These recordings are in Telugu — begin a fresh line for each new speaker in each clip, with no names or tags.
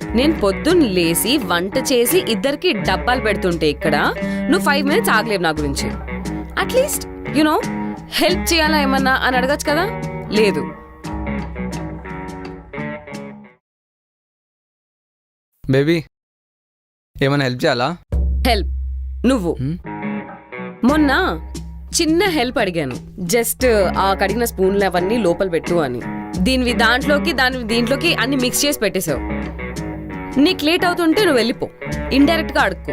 నేను పొద్దున్న లేసి వంట చేసి ఇద్దరికి డబ్బాలు పెడుతుంటే ఇక్కడ నువ్వు 5 minutes ఆగలేవు నా గురించి. అట్లీస్ట్ యునో హెల్ప్ చేయాలా ఏమన్నా అని అడగచ్చు కదా. లేదు.
బేబీ ఏమైనా హెల్ప్ చేయాలా?
హెల్ప్ నువ్వు మొన్న చిన్న హెల్ప్ అడిగాను. జస్ట్ ఆ కడిగిన స్పూన్లు అవన్నీ లోపల పెట్టు అని. దీనివి దాంట్లోకి దీంట్లోకి అన్ని మిక్స్ చేసి పెట్టేశావు. నీకు లేట్ అవుతుంటే నువ్వు వెళ్ళిపో. ఇండైరెక్ట్ గా అడుక్కో.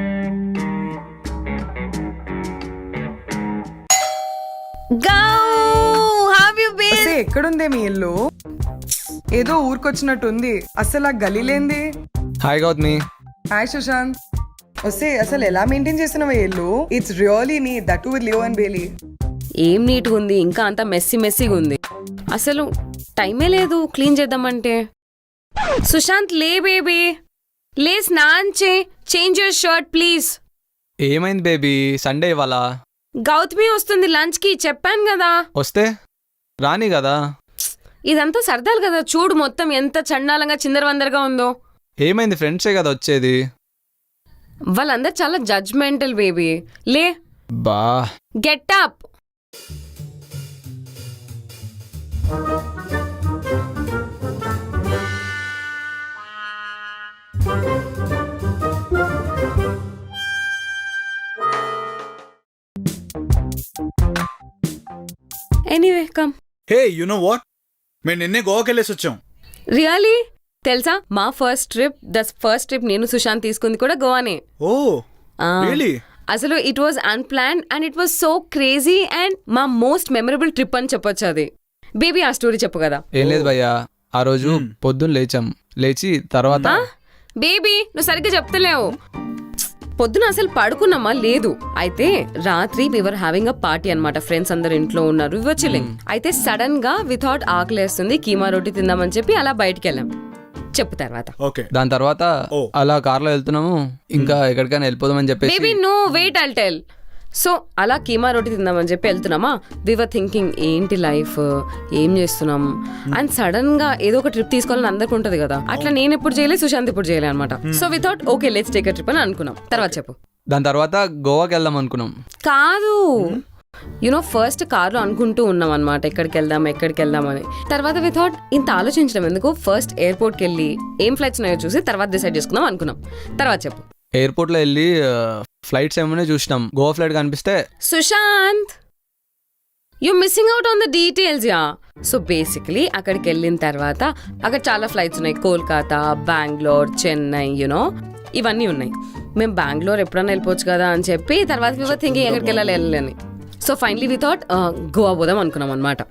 ఎక్కడుందే మీ ఇల్లు? ఏదో ఊరికొచ్చినట్టుంది. అసలు ఆ గలీలేంది?
హాయ్ గౌతమి.
హాయ్ సుశాంత్. వస్తే అసలు ఎలా మెయింటైన్ చేస్తున్నావా ఇల్లు? It's really neat that with Leo and Bailey.
ఏం నీట్గా ఉంది, ఇంకా అంతా మెస్సీగా ఉంది. అసలు టైమే లేదు క్లీన్ చేద్దామంటే. సుశాంత్ లే బేబీ, లే స్నాన్ చేంజ్ యువర్ షర్ట్ ప్లీజ్.
ఏమైంది బేబీ? సండే ఇవాళ
గౌతమి వస్తుంది లంచ్ కి, చెప్పాను కదా.
వస్తే రాని కదా.
ఇదంతా సరదాలు కదా. చూడు మొత్తం ఎంత చండాలంగా చిందరవందరగా ఉందో.
ఏమైంది? ఫ్రెండ్సే కదా వచ్చేది.
వాళ్ళందరూ చాలా జడ్జ్మెంటల్ బేబీ. లే
బా
get up. Anyway come.
Hey you know what, మేము నిన్నే గోవాకి వెళ్ళేసి వచ్చాం.
రియలీ? తెలుసా మా ఫస్ట్ ట్రిప్ నేను సుశాంత్ తీసుకుంది కూడా గోవానే.
Oh really?
అసలు it was unplanned and it was so crazy and మా మోస్ట్ మెమరబుల్ ట్రిప్ అని చెప్పొచ్చు అది. బేబీ ఆ స్టోరీ చెప్పు కదా.
ఏం లేదు భయ్యా, ఆ రోజు పొద్దున్న లేచి తర్వాత
బేబీ నువ్వు సరిగ్గా చెప్తలేవు. పొద్దున అసలు పడుకున్నామా? లేదు. అయితే రాత్రి వివర్ హ్యావింగ్ అ పార్టీ అనమాట. ఫ్రెండ్స్ అందరు ఇంట్లో ఉన్నారు, వివర్ చిల్లింగ్. అయితే సడన్ గా వితౌట్ ఆకలేస్తుంది, కీమా రోటీ తిందామని చెప్పి అలా బయటికి వెళ్ళాం. చెప్పు తర్వాత.
దాని తర్వాత అలా కార్లో వెళ్తున్నాము, ఇంకా ఎక్కడికైనా వెళ్ళిపోదామని చెప్పేసి.
Baby no wait I'll tell. So అలా కీమా రోటీ తిందామని చెప్పి వెళ్తున్నామా. వివర్ థింకింగ్ ఏంటి లైఫ్, ఏం చేస్తున్నాం. అండ్ సడన్ గా ఏదో ఒక ట్రిప్ తీసుకోవాలని అందరికి ఉంటది కదా. అట్లా నేను ఎప్పుడు చేయలేదు, సుశాంత్ ఇప్పుడు చేయలే అనమాట. So without okay let's take a trip అని అనుకున్నాం. తర్వాత చెప్పు.
దాని తర్వాత గోవాకి వెళ్దాం అనుకున్నాం.
కాదు, యునో ఫస్ట్ కార్లో అనుకుంటూ ఉన్నాం అనమాట ఎక్కడికి వెళ్దాం అని. తర్వాత వితౌట్ ఇంత ఆలోచించడం ఎందుకు, ఫస్ట్ ఎయిర్పోర్ట్కి వెళ్ళి ఏం ఫ్లైట్స్ ఉన్నాయో చూసి తర్వాత డిసైడ్ చేసుకుందాం అనుకున్నాం. తర్వాత చెప్పు.
ఎయిర్పోర్ట్ లో వెళ్ళి ఫ్లైట్స్ ఏమైనా చూసినాం. గోవా ఫ్లైట్ కనిపిస్తే
Sushant you missing out on the details ya. So basically అక్కడికి వెళ్ళిన తర్వాత అక్కడ చాలా ఫ్లైట్స్ ఉన్నాయి. కోల్కతా, బెంగళూరు, చెన్నై, యునో ఇవన్నీ ఉన్నాయి. మేము బెంగళూరు ఎప్పుడన్నా వెళ్ళిపోవచ్చు కదా అని చెప్పి తర్వాత థింకింగ్ ఎక్కడికి వెళ్ళాలి అని. So finally we thought Goa పోదాం అనుకున్నాం అనమాట.